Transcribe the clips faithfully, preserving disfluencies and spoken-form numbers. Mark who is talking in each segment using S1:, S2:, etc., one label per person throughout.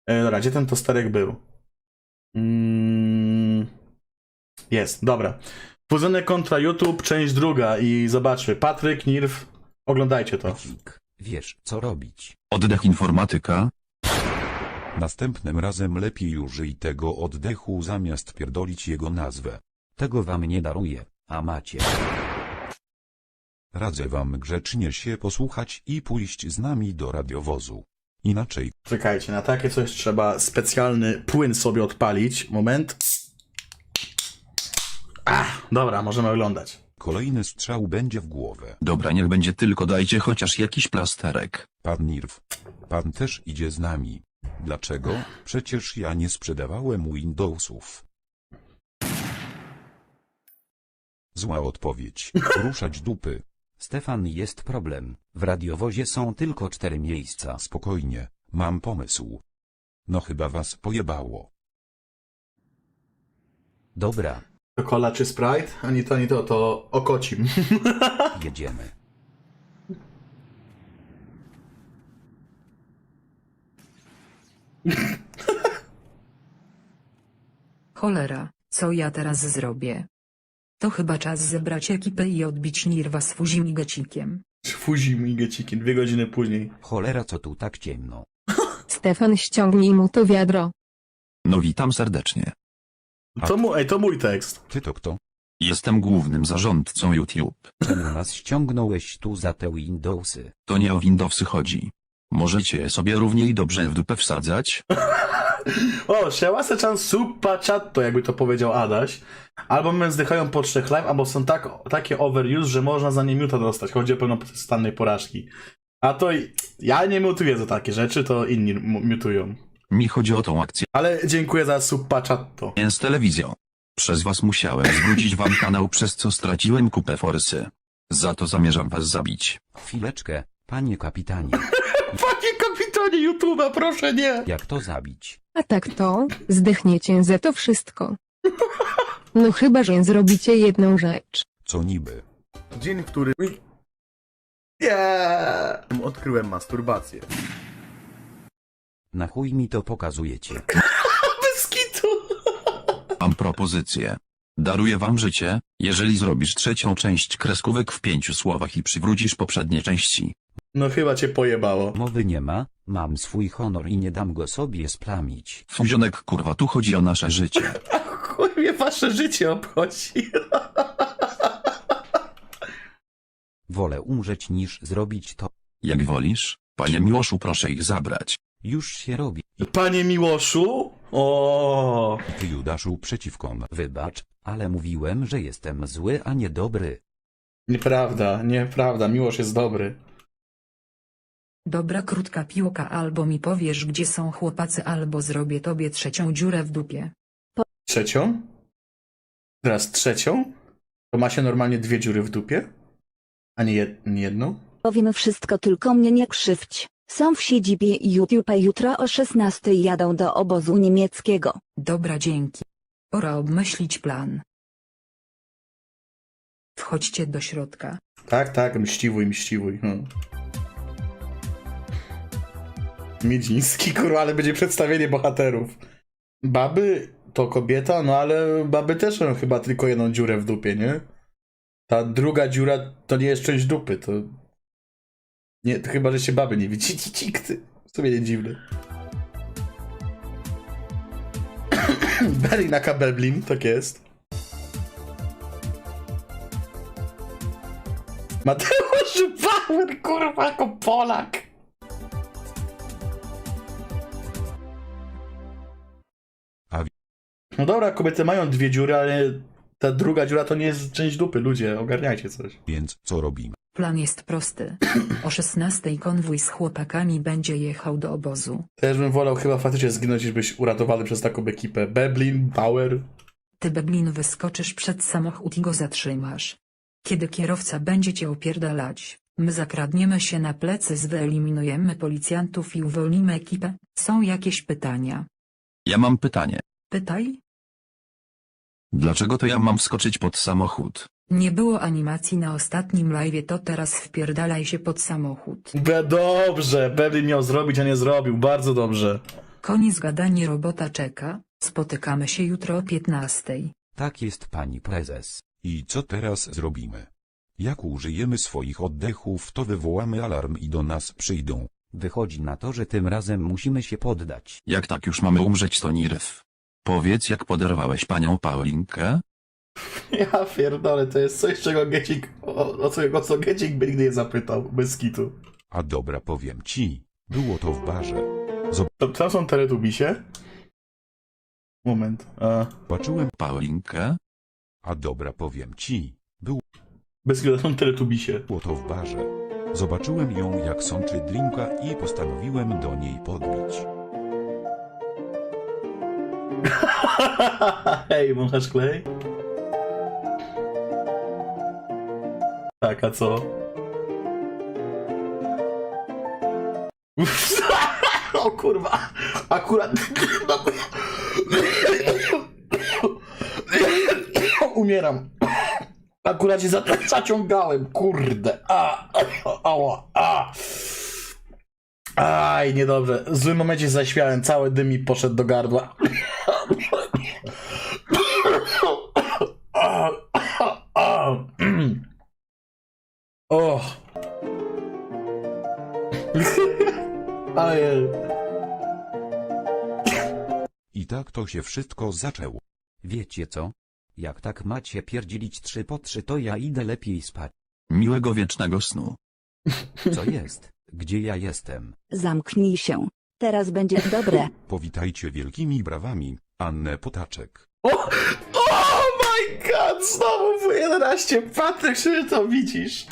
S1: E, dobra, gdzie ten tosterek był? Mm, jest, dobra. Fuzynek kontra YouTube, część druga i zobaczmy. Patryk, Nirw, oglądajcie to.
S2: Kik, wiesz co robić.
S3: Oddech informatyka.
S2: Następnym razem lepiej użyj tego oddechu zamiast pierdolić jego nazwę. Tego wam nie daruję, a macie. Radzę wam grzecznie się posłuchać i pójść z nami do radiowozu. Inaczej
S1: Czekajcie, na takie coś trzeba specjalny płyn sobie odpalić. Moment. Ach, dobra, możemy oglądać.
S2: kolejny strzał będzie w głowę.
S3: Dobra, niech będzie, tylko dajcie chociaż jakiś plasterek.
S2: Pan Nirw. Pan też idzie z nami. Dlaczego? Przecież ja nie sprzedawałem Windowsów. Zła odpowiedź. Ruszać dupy. Stefan, jest problem. W radiowozie są tylko cztery miejsca. Spokojnie, mam pomysł. No chyba was pojebało. Dobra,
S1: To cola czy Sprite? Ani to, ani to, to okocim.
S2: jedziemy.
S4: Cholera, co ja teraz zrobię? To chyba czas zebrać ekipę i odbić Nirwa z Fuzim i Gecikiem.
S1: Fuzi migecikiem, dwie godziny później.
S2: Cholera, co tu tak ciemno?
S5: Stefan, ściągnij mu to wiadro.
S3: No witam serdecznie.
S1: To, mu, ej, to mój tekst.
S2: Ty to kto?
S3: Jestem głównym zarządcą YouTube.
S2: Czemu nas ściągnąłeś tu za te Windowsy?
S3: To nie o Windowsy chodzi. Możecie je sobie równie dobrze w dupę wsadzać?
S1: O, szałasę czas super chatto, jakby to powiedział Adaś. Albo my zdychają po trzech live, albo są tak, takie overuse, że można za nie miuta dostać. Chodzi o pełnostannej porażki. A to i- ja nie mutuję za takie rzeczy, to inni m- miutują.
S3: Mi chodzi o tą akcję
S1: Ale dziękuję za super chatto.
S3: z telewizją. Przez was musiałem zwrócić wam kanał, przez co straciłem kupę forsy. Za to zamierzam was zabić.
S2: Chwileczkę, panie kapitanie.
S1: Panie kapitanie YouTube'a, proszę nie!
S2: Jak to zabić?
S5: A tak to, zdechniecie za to wszystko. No chyba, że zrobicie jedną rzecz.
S2: Co niby?
S1: Dzień, w którym... Nie! Odkryłem masturbację.
S2: Na chuj mi to pokazujecie?
S1: Bez kitu!
S3: Mam propozycję. Daruję wam życie, jeżeli zrobisz trzecią część kreskówek w pięciu słowach i przywrócisz poprzednie części.
S1: No chyba cię pojebało.
S2: Mowy nie ma, mam swój honor i nie dam go sobie splamić.
S3: Fuzionek, kurwa, tu chodzi o nasze życie.
S1: Chuj mnie wasze życie obchodzi.
S2: Wolę umrzeć niż zrobić to.
S3: Jak wolisz, panie Miłoszu, proszę ich zabrać.
S2: Już się robi.
S1: Panie Miłoszu? O.
S2: Ty, Judaszu, przeciwko m. Wybacz, ale mówiłem, że jestem zły, a nie dobry.
S1: Nieprawda, nieprawda, Miłosz jest dobry.
S4: Dobra krótka piłka, albo mi powiesz gdzie są chłopacy, albo zrobię tobie trzecią dziurę w dupie.
S1: Trzecią? Teraz trzecią? To ma się normalnie dwie dziury w dupie? A nie, jed nie jedną?
S6: Powiem wszystko, tylko mnie nie krzywdź. Są w siedzibie YouTube, a jutro o szesnastej jadą do obozu niemieckiego.
S4: Dobra, dzięki. Pora obmyślić plan. Wchodźcie do środka.
S1: Tak, tak, mściwuj, mściwuj. No. Miedziński, kurwa, ale będzie przedstawienie bohaterów. Baby to kobieta, no ale baby też mają chyba tylko jedną dziurę w dupie, nie? Ta druga dziura to nie jest część dupy, to... Nie, to chyba, że się baby nie widzi. Cikty. W sumie nie dziwne. Berlin aka Berlin, tak jest. Mateusz Bauer, kurwa, jako Polak.
S2: A wi-
S1: No dobra, kobiety mają dwie dziury, ale ta druga dziura to nie jest część dupy. Ludzie, ogarniajcie coś.
S2: Więc co robimy?
S4: Plan jest prosty. O szesnastej konwój z chłopakami będzie jechał do obozu.
S1: Też bym wolał chyba faktycznie zginąć, niż być uratowany przez taką ekipę. Berlin, Bauer.
S4: Ty, Beblin, wyskoczysz przed samochód i go zatrzymasz. Kiedy kierowca będzie cię opierdalać, my zakradniemy się na plecy, wyeliminujemy policjantów i uwolnimy ekipę. Są jakieś pytania?
S3: Ja mam pytanie.
S4: Pytaj?
S3: Dlaczego to ja mam wskoczyć pod samochód?
S4: Nie było animacji na ostatnim live'ie, to teraz wpierdalaj się pod samochód.
S1: Be dobrze, Berlin miał zrobić, a nie zrobił. Bardzo dobrze.
S4: Koniec gadanie, robota czeka, spotykamy się jutro o piętnastej.
S2: Tak jest, pani prezes. I co teraz zrobimy? Jak użyjemy swoich oddechów, to wywołamy alarm i do nas przyjdą.
S7: Wychodzi na to, że tym razem musimy się poddać.
S3: Jak tak już mamy umrzeć, to nie ryw. Powiedz, jak poderwałeś panią Paulinkę?
S1: Ja pierdolę, to jest coś, czego Gecik, o, o, co, o co Gecik by nigdy nie zapytał, bez kitu.
S2: A dobra, powiem ci. Było to w barze.
S1: To, tam są teletubisie? Moment. A,
S2: Zobaczyłem.
S3: Paulinkę?
S2: A dobra, powiem ci. Było
S1: bez kitu, to są teletubisie.
S2: to w barze. Zobaczyłem ją, jak sączy drinka i postanowiłem do niej podbić.
S1: Hej, wąchasz klej? Tak, a co? O kurwa, akurat... Umieram. Akurat się za- zaciągałem, kurde. A, ała, a. Aj, niedobrze. W złym momencie zaśmiałem, cały dym mi poszedł do gardła. O. Ojej.
S2: I tak to się wszystko zaczęło.
S7: Wiecie co? Jak tak macie pierdzielić trzy po trzy, to ja idę lepiej spać.
S3: Miłego wiecznego snu.
S7: Co jest? Gdzie ja jestem?
S6: Zamknij się. Teraz będzie dobre.
S2: Powitajcie wielkimi brawami Annę Potaczek.
S1: O, oh my god, znowu w jedenaście. Patryk, czy to widzisz?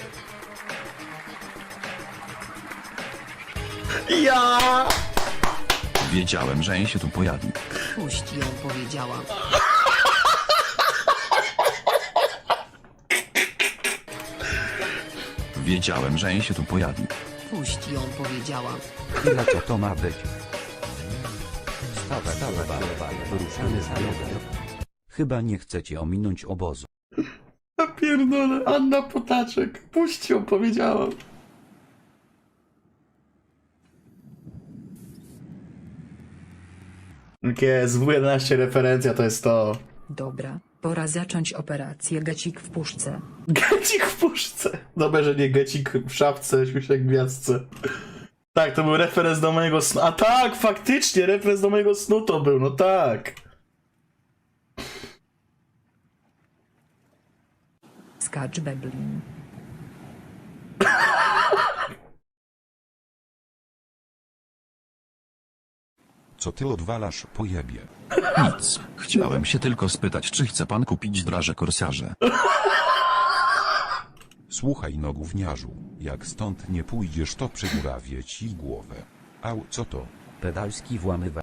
S1: Ja!
S3: Wiedziałem, że się tu pojawi.
S8: Puść ją, powiedziałam.
S3: Wiedziałem, że się tu pojawi.
S8: Puść ją, powiedziałam.
S7: Ile co to ma być? Stawę, stawę, wyruszamy z dialogiem. Chyba nie chcecie ominąć obozu.
S1: Ja pierdolę, Anna Potaczek. Puść ją, powiedziałam. Jest, W jedenaście referencja to jest to.
S4: Dobra, pora zacząć operację Gecik w puszce.
S1: Gecik w puszce. Dobrze, że nie Gecik w szafce, śmieszek w gwiazdce. Tak, to był referenc do mojego snu. A tak, faktycznie, referenc do mojego snu to był, no tak.
S4: Skacz Beblin.
S2: Co ty odwalasz, pojebie?
S3: Nic. Chciałem się tylko spytać, czy chce pan kupić draże korsarze.
S2: Słuchaj, no gówniarzu, jak stąd nie pójdziesz, to przygurawię ci głowę. Au, co to?
S7: Pedalski włamywa.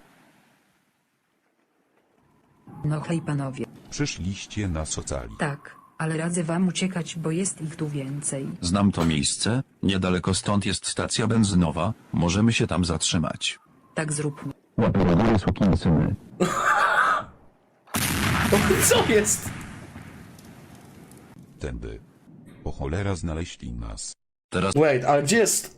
S4: No hej panowie.
S2: Przyszliście na socali.
S4: Tak, ale radzę wam uciekać, bo jest ich tu więcej.
S3: Znam to miejsce, niedaleko stąd jest stacja benzynowa, możemy się tam zatrzymać.
S4: Tak zróbmy.
S3: Łapie do góry, sukinsyny.
S1: Co jest?
S2: Tędy. O cholera, znaleźli nas.
S3: Teraz
S1: Wait, ale gdzie jest...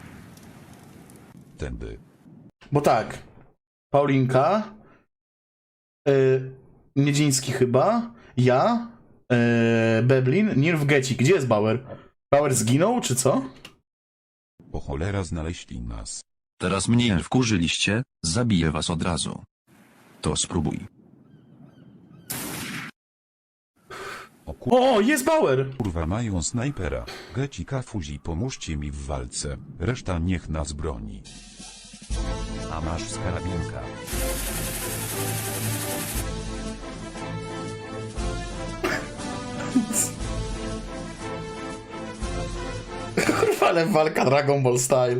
S2: Tędy.
S1: Bo tak, Paulinka, yy, Miedziński chyba, ja, yy, Beblin, Nirw, Gecik. Gdzie jest Bauer? Bauer zginął, czy co?
S2: O cholera, znaleźli nas.
S3: Teraz mnie wkurzyliście, zabiję was od razu. To spróbuj.
S2: O kur...
S1: O, jest Bauer!
S2: kurwa, mają snajpera. Gecika, Fuzi, pomóżcie mi w walce. Reszta niech nas broni.
S7: A masz z karabinka.
S1: Kurwa, ale walka Dragon Ball Style.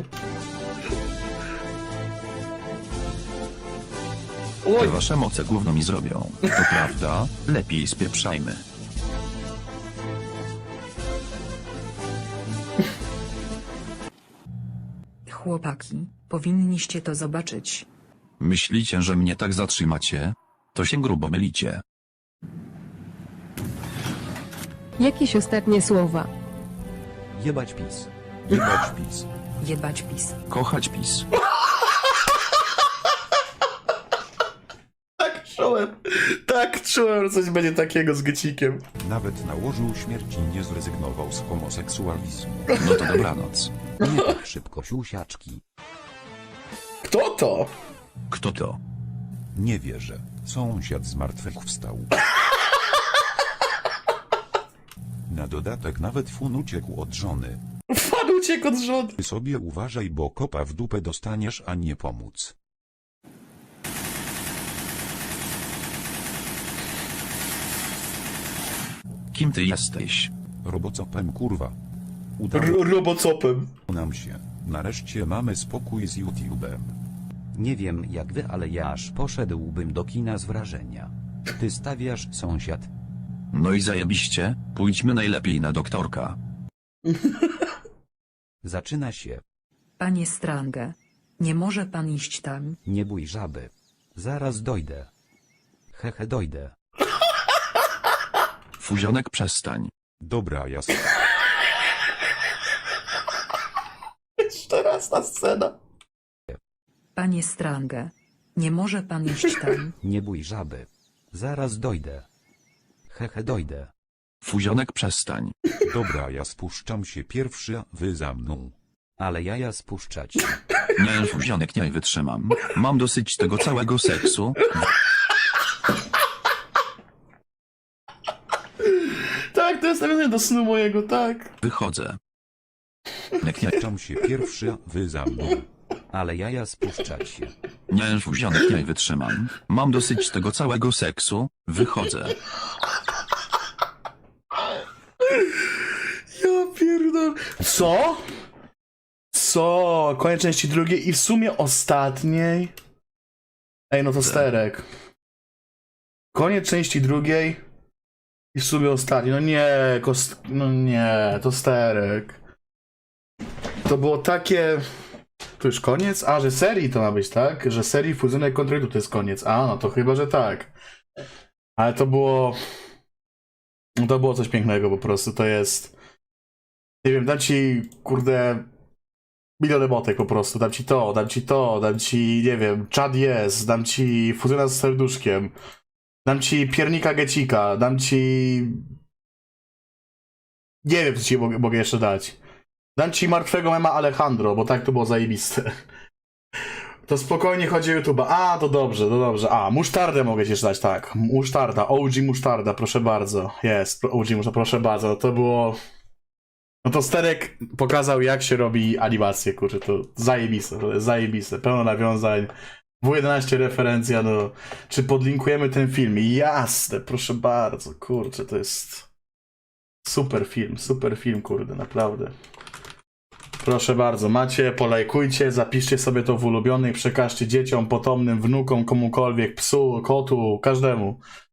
S3: Te wasze moce gówno mi zrobią. To prawda, lepiej spieprzajmy.
S4: Chłopaki, powinniście to zobaczyć.
S3: Myślicie, że mnie tak zatrzymacie? To się grubo mylicie.
S5: Jakieś ostatnie słowa.
S7: Jebać PiS.
S2: Jebać PiS.
S4: Jebać PiS.
S3: Kochać PiS.
S1: Tak, czułem, że coś będzie takiego z Gecikiem.
S2: Nawet na łożu śmierci nie zrezygnował z homoseksualizmu.
S3: No to dobranoc.
S7: Nie tak szybko siusiaczki.
S1: Kto to?
S3: Kto to?
S2: Nie wierzę. Sąsiad zmartwychwstał. Na dodatek nawet fun uciekł od żony.
S1: Fan uciekł od żony.
S2: Ty sobie uważaj, bo kopa w dupę dostaniesz, a nie pomóc.
S3: Kim ty jesteś?
S2: Robocopem kurwa. Udało
S1: R- robocopem.
S2: nam się. Nareszcie mamy spokój z YouTube'em.
S7: Nie wiem jak wy, ale ja aż poszedłbym do kina z wrażenia. Ty stawiasz, sąsiad.
S3: No i zajebiście, pójdźmy najlepiej na doktorka.
S7: Zaczyna się.
S4: Panie Strange. Nie może pan iść tam.
S7: Nie bój żaby. Zaraz dojdę. Hehe, dojdę.
S3: Fuzionek, przestań.
S2: Dobra, jasne.
S1: Jeszcze raz ta scena.
S4: Panie Strange. Nie może pan iść tam.
S7: Nie bój żaby. Zaraz dojdę. Hehe, dojdę.
S3: Fuzionek, przestań.
S2: Dobra, ja spuszczam się pierwszy, a wy za mną.
S7: Ale jaja spuszczać.
S3: Nie, Fuzionek, nie wytrzymam. Mam dosyć tego całego seksu.
S1: Tak, to jest nawiązanie do snu mojego, tak.
S3: Wychodzę. Jak nie,
S2: Spuszczam się pierwszy, a wy za mną.
S7: Ale jaja spuszczać.
S3: nie, Fuzionek, nie wytrzymam. Mam dosyć tego całego seksu. Wychodzę.
S1: Ja pierdolę. Co? Co? Koniec części drugiej i w sumie ostatniej. Ej, no to sterek. Koniec części drugiej i w sumie ostatniej. No nie, kost... no nie, to sterek. To było takie... To już koniec? A, że serii to ma być, tak? Że serii Fuzynek Kontrytu to jest koniec. A, no to chyba, że tak. Ale to było... No to było coś pięknego po prostu, to jest... Nie wiem, dam ci, kurde... Milion emotek po prostu, dam ci to, dam ci to, dam ci, nie wiem, czad jest, dam ci fuzyna z serduszkiem, dam ci piernika Gecika, dam ci... Nie wiem, co ci mogę, mogę jeszcze dać. Dam ci martwego mema Alejandro, bo tak to było zajebiste. To spokojnie chodzi o YouTube'a. A, to dobrze, to dobrze. A, musztardę mogę ci jeszcze dać, tak. Musztarda, O G musztarda, proszę bardzo. Jest, O G musztarda, proszę bardzo. No to było... No to Sterek pokazał, jak się robi animację, kurczę, to zajebiste, to jest zajebiste. Pełno nawiązań. W jedenaście referencja, no. Czy podlinkujemy ten film? Jasne, proszę bardzo, kurczę, to jest... Super film, super film, kurde, naprawdę. Proszę bardzo, macie, polajkujcie, zapiszcie sobie to w ulubionych, przekażcie dzieciom, potomnym, wnukom, komukolwiek, psu, kotu, każdemu.